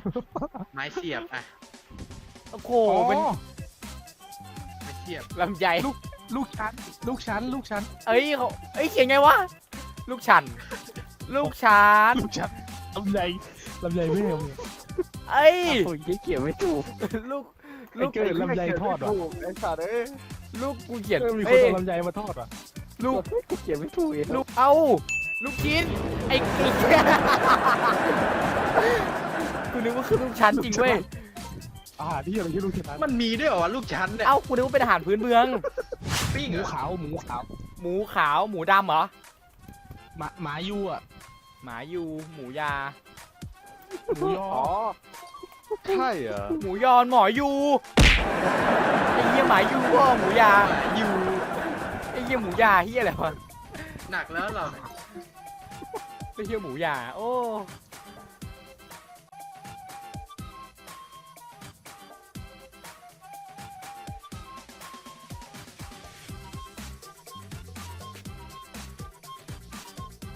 ไม้เสียบอ่ะโอ้โหอ๋อมันไม้เสียบลำไยลูกชั้นลูกชั้นเอ้ยเขาเอ้ยเขียนไงวะลูกชันลูกชันลูกชั้นลำไยไม่เอาเอ้ยโอ้ยเขียนไม่ถูกลูกไอ้เกิดลำไยทอดว่ะไอ้สัตว์เอ้ยลูกกูเขียนมีคนเอ้ยเอาลำไยมาทอดว่ะลูกกูเขียนไม่ถูกอีกลูกเอาลูกชิ้นไอ้กึกกูนึกว่าคือลูกชั้นจริงเว้ยอาหารที่อะไรที่ลูกชั้นมันมีด้วยเหรอวะลูกชั้นเนี่ยเอ้ากูนึกว่าเป็นอาหารพื้นเมืองปิ้งหเหรมูอขาวหมูขาวหมูขาวหมูดำเหรอหมายูอ่ะหมายูหมูยาหมูยออ๋อใช่เหรอหมูยอนหมอยูไอ้เหี้ยหมายูก็หมูยาอยู่ไอ้เหี้ยหมูยาเหี้ยอะไรวะหนักแล้วเราเนี่ยไอ้เหี้ยหมูยาโอ้